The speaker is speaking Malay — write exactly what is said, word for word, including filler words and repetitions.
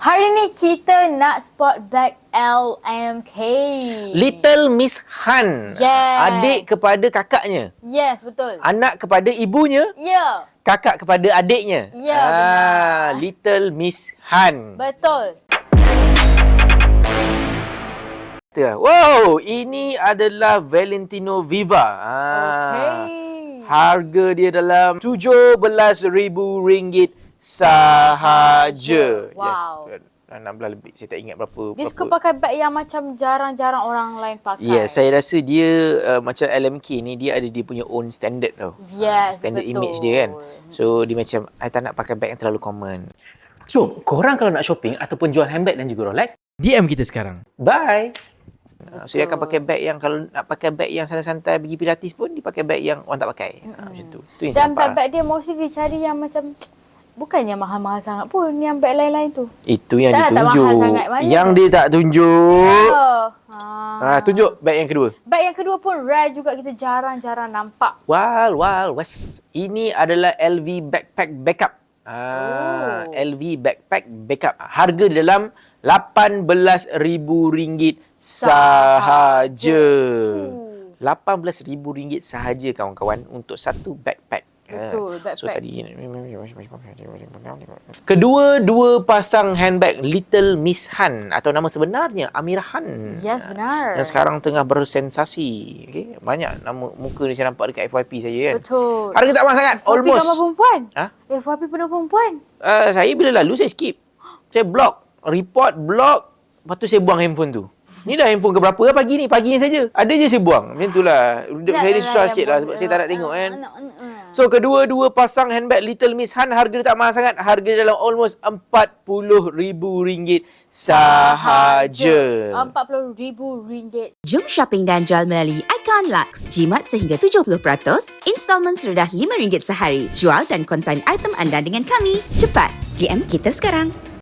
Hari ni kita nak spot back L M K. Little Miss Han. Yes. Adik kepada kakaknya. Yes, betul. Anak kepada ibunya. Ya. Kakak kepada adiknya. Ya, ah, benar. Little Miss Han. Betul. Wow, ini adalah Valentino Viva. Ah, Okey. Harga dia dalam tujuh belas ribu ringgit sahaja. Wow. Yes. enam belas lebih. Saya tak ingat berapa. Dia berapa. suka pakai beg yang macam jarang-jarang orang lain pakai. Ya, yeah, saya rasa dia uh, macam L M K ni, dia ada dia punya own standard tau. Yes, Standard betul. image dia kan. So, dia macam, I tak nak pakai beg yang terlalu common. So, korang kalau nak shopping ataupun jual handbag dan juga Rolex, D M kita sekarang. Bye! Uh, so, dia akan pakai beg yang, kalau nak pakai beg yang santai-santai pergi pilates pun, dia pakai beg yang orang tak pakai. Mm-hmm. Uh, macam tu. Tu yang Dan saya nampak. beg-beg dia mostly dia cari yang macam, bukannya mahal-mahal sangat pun yang beg lain-lain tu. Itu yang Tak, dia tak tunjuk. mahal sangat. Mana Yang tu? dia tak tunjuk. Oh. Ha. Ha, tunjuk beg yang kedua. Beg yang kedua pun rare juga, kita jarang-jarang nampak. Wal, wal, was. Ini adalah L V Backpack Backup. Ah, Oh. L V Backpack Backup. Harga di dalam lapan belas ribu ringgit sahaja. Uh. lapan belas ribu ringgit sahaja kawan-kawan untuk satu backpack. Betul, Ah, So backpack. tadi kedua-dua pasang handbag Little Miss Han atau nama sebenarnya Amirah Han. Yes, benar. Yang sekarang tengah bersensasi. Okay? Banyak nama muka ni saya nampak dekat F Y P saja kan. Betul. Harga tak mahal sangat. F Y P Almost. gambar perempuan. Ha? F Y P penuh perempuan. Uh, saya bila lalu saya skip. Saya block. Report, block. Lepas tu saya buang handphone tu. Ni dah handphone ke berapa lah pagi ni. Pagi ni saja. Ada je saya buang. Macam tu lah. Saya ni susah sikit lah sebab saya tak nak tengok kan. So, kedua-dua pasang handbag Little Miss Han, harga dia tak mahal sangat. Harga dia dalam almost empat puluh ribu ringgit sahaja. empat puluh ribu ringgit. Jom shopping dan jual melalui Icon Lux. Jimat sehingga tujuh puluh peratus, installment serendah lima ringgit sehari. Jual dan konsign item anda dengan kami. Cepat, D M kita sekarang.